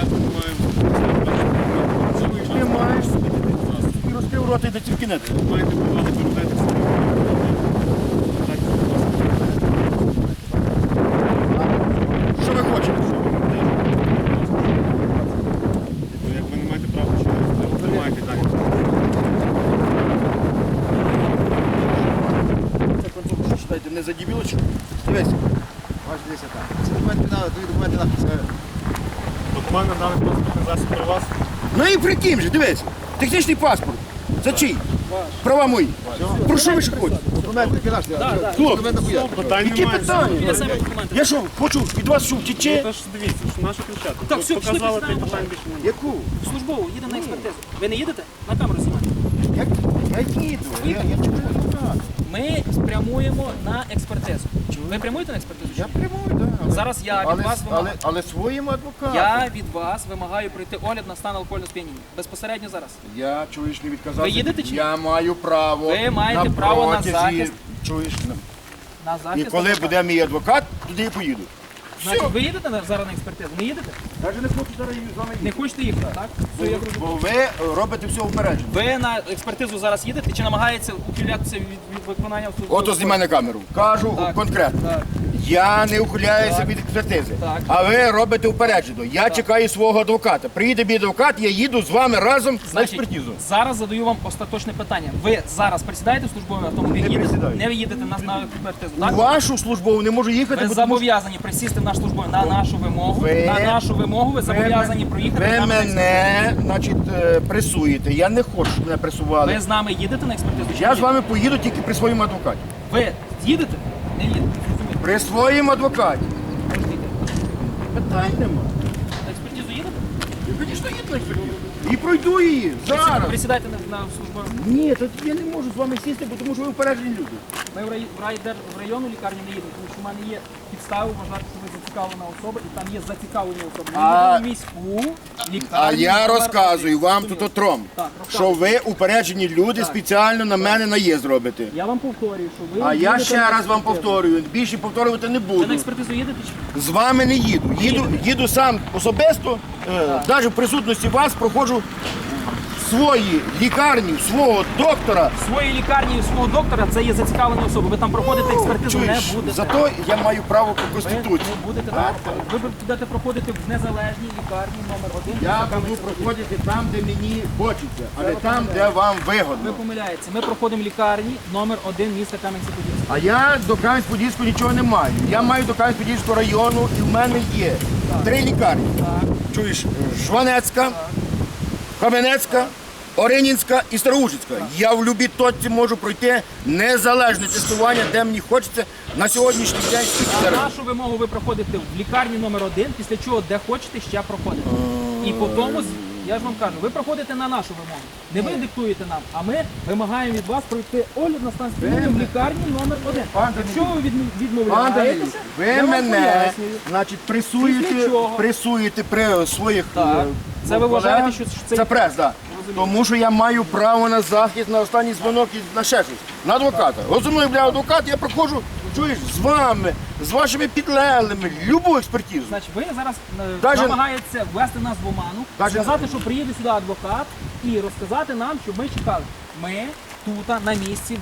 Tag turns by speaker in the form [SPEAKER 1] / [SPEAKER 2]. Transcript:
[SPEAKER 1] ми маємо.
[SPEAKER 2] Ти маєш і розкрив рота і до тільки не.
[SPEAKER 1] Маєте право не передати собі.
[SPEAKER 2] Що ви хочете?
[SPEAKER 1] Як ви не маєте права чинити, то тримайте далі.
[SPEAKER 2] Це концовку, що читаєте, не за дебілочку? Дивись.
[SPEAKER 3] Ваш дивися так. Ці документи надали, твої документи надали.
[SPEAKER 1] Документ надали транспортний засіб про вас.
[SPEAKER 2] Ну і прикинь же, дивись. Технічний паспорт. За чий? Права мої. Про що ви ще хочете?
[SPEAKER 3] Документи кидаш.
[SPEAKER 2] Хлоп,
[SPEAKER 3] Документи хуя.
[SPEAKER 1] Питань
[SPEAKER 2] які
[SPEAKER 1] немає.
[SPEAKER 2] питання?
[SPEAKER 4] самі документи.
[SPEAKER 2] Я що, хочу від вас що, втіче?
[SPEAKER 1] Тож дивіться, що наша ключа.
[SPEAKER 4] Так,
[SPEAKER 1] Ви
[SPEAKER 4] все,
[SPEAKER 1] показали,
[SPEAKER 4] пішли,
[SPEAKER 1] то й питань більше немає.
[SPEAKER 2] Яку?
[SPEAKER 4] Службово, їде на експертизу. Ви не їдете? На камеру знімаєте.
[SPEAKER 2] Я їду. Я чому адвокат?
[SPEAKER 4] Ми спрямуємо на експертизу. Ви прямуєте на експертизу? чи
[SPEAKER 2] Я
[SPEAKER 4] ні?
[SPEAKER 2] прямую, так.
[SPEAKER 4] Зараз я від вас вимагаю.
[SPEAKER 2] Але своїм адвокатом.
[SPEAKER 4] Я від вас вимагаю пройти огляд на стан алкогольного сп'яніння. Безпосередньо зараз.
[SPEAKER 2] Я, чуєш, не відказався.
[SPEAKER 4] Ви їдете чи ні?
[SPEAKER 2] Я маю право.
[SPEAKER 4] Ви маєте право на
[SPEAKER 2] протязі,
[SPEAKER 4] захист.
[SPEAKER 2] Чуєш?
[SPEAKER 4] На
[SPEAKER 2] І
[SPEAKER 4] захист.
[SPEAKER 2] коли
[SPEAKER 4] адвоката.
[SPEAKER 2] буде мій адвокат, туди і поїду.
[SPEAKER 4] Значить, ви їдете зараз на експертизу? Не їдете?
[SPEAKER 2] Навіть не хочу зараз з вами
[SPEAKER 4] Не хочете їхати, так? Все, я
[SPEAKER 2] Бо
[SPEAKER 4] зрозумів.
[SPEAKER 2] ви робите все упереджено.
[SPEAKER 4] Ви на експертизу зараз їдете чи намагається ухилятися від виконання службового
[SPEAKER 2] Ото знімай на камеру. Кажу
[SPEAKER 4] Так.
[SPEAKER 2] конкретно.
[SPEAKER 4] Так.
[SPEAKER 2] Я не ухиляюся
[SPEAKER 4] Так.
[SPEAKER 2] від експертизи,
[SPEAKER 4] Так.
[SPEAKER 2] а ви робите упереджено. Я чекаю свого адвоката. Приїде мій адвокат, я їду з вами разом на
[SPEAKER 4] Значить,
[SPEAKER 2] експертизу.
[SPEAKER 4] зараз задаю вам остаточне питання. Ви зараз присідаєте в службовий автомобіль?
[SPEAKER 2] Не
[SPEAKER 4] їдете?
[SPEAKER 2] присідаю.
[SPEAKER 4] Не їдете на експертизу,
[SPEAKER 2] У
[SPEAKER 4] так?
[SPEAKER 2] вашу службову не можу їхати,
[SPEAKER 4] Ви
[SPEAKER 2] бо тому що
[SPEAKER 4] зобов'язані присісти в наш службовий на нашу вимогу.
[SPEAKER 2] Ви-
[SPEAKER 4] На нашу вимогу ви зобов'язані проїхати.
[SPEAKER 2] ви
[SPEAKER 4] з нами на
[SPEAKER 2] мене, значить, пресуєте. Я не хочу, щоб мене пресували.
[SPEAKER 4] Ви з нами їдете на експертизу? чи
[SPEAKER 2] Я
[SPEAKER 4] не
[SPEAKER 2] з вами поїду тільки при своєму адвокаті.
[SPEAKER 4] їдете? Ви їдете? Не їдете. Зрозуміло.
[SPEAKER 2] При своєму адвокаті.
[SPEAKER 4] Можете йти.
[SPEAKER 2] Питань нема.
[SPEAKER 4] На експертизу їдете?
[SPEAKER 2] Я, звісно, їду на експертизу. І пройду її зараз.
[SPEAKER 4] Присідайте на службовий.
[SPEAKER 2] Ні, тут я не можу з вами сісти, бо тому що ви упереджені люди.
[SPEAKER 4] Ми в районну лікарню не їдемо, тому що в мене є підстави вважати, що ви зацікавлена особа, і там є зацікавлені особи. Ми
[SPEAKER 2] А-
[SPEAKER 4] їдемо в міську лікарню.
[SPEAKER 2] А я
[SPEAKER 4] номер
[SPEAKER 2] розказую
[SPEAKER 4] 1.
[SPEAKER 2] вам тут отром,
[SPEAKER 4] Так,
[SPEAKER 2] що ви упереджені люди
[SPEAKER 4] Так.
[SPEAKER 2] спеціально на мене наїзд робите.
[SPEAKER 4] Я вам повторюю, що ви
[SPEAKER 2] А я
[SPEAKER 4] їдете
[SPEAKER 2] ще
[SPEAKER 4] на
[SPEAKER 2] раз вам
[SPEAKER 4] експертизу.
[SPEAKER 2] повторюю, більше повторювати не
[SPEAKER 4] Ви на
[SPEAKER 2] буду.
[SPEAKER 4] експертизу їдете чи ні?
[SPEAKER 2] З вами не їду. Їду сам особисто, навіть в присутності вас проходжу в своїй лікарні, в свого доктора.
[SPEAKER 4] В своїй лікарні і в свого доктора це є зацікавлені особи. Ви там проходите експертизу, не
[SPEAKER 2] Чуєш,
[SPEAKER 4] будете.
[SPEAKER 2] зато я маю право по
[SPEAKER 4] Ви
[SPEAKER 2] Конституції.
[SPEAKER 4] не будете там проходити. Ви будете проходити в незалежній лікарні номер 1.
[SPEAKER 2] Я буду проходити там, де мені хочеться, а не там, де вам
[SPEAKER 4] Ви
[SPEAKER 2] вигодно.
[SPEAKER 4] помиляєтеся. Ми проходимо лікарні номер 1 міста Кам'янця-Подільського.
[SPEAKER 2] А я до Кам'янець-Подільського нічого не маю. Я маю до Кам'янець-Подільського району і в мене є 3 лікарні.
[SPEAKER 4] Так.
[SPEAKER 2] Чуєш, Жванецька, Кам'янецька, Оринінська і Староужицька. Я в любій точці можу пройти незалежне тестування, де мені хочеться на сьогоднішній день.
[SPEAKER 4] На нашу вимогу ви проходите в лікарні номер 1, після чого де хочете ще проходите. І по тому, я ж вам кажу, ви проходите на нашу вимогу. Не ви диктуєте нам, а ми вимагаємо від вас пройти огляд на стан сп'яніння в лікарні номер 1.
[SPEAKER 2] Пан
[SPEAKER 4] Якщо ви
[SPEAKER 2] Пан Данилюк,
[SPEAKER 4] відмовляєтеся,
[SPEAKER 2] ви
[SPEAKER 4] я вам
[SPEAKER 2] мене,
[SPEAKER 4] пояснюю.
[SPEAKER 2] значить,
[SPEAKER 4] Після чого?
[SPEAKER 2] пресуєте при своїх
[SPEAKER 4] Так. Це ви
[SPEAKER 2] колегах.
[SPEAKER 4] вважаєте, що це-
[SPEAKER 2] Це прес, так. Тому що я маю право на захист, на останній дзвонок і на ще щось. На адвоката. От зі мною, бля, адвокат, я проходжу, чуєш, з вами, з вашими підлеглими, любу експертизу.
[SPEAKER 4] Значить, ви зараз
[SPEAKER 2] Даже-
[SPEAKER 4] намагаєтеся ввести нас в оману,
[SPEAKER 2] Даже-
[SPEAKER 4] сказати, що приїде сюди адвокат і розказати нам, щоб ми чекали. Ми тут на місці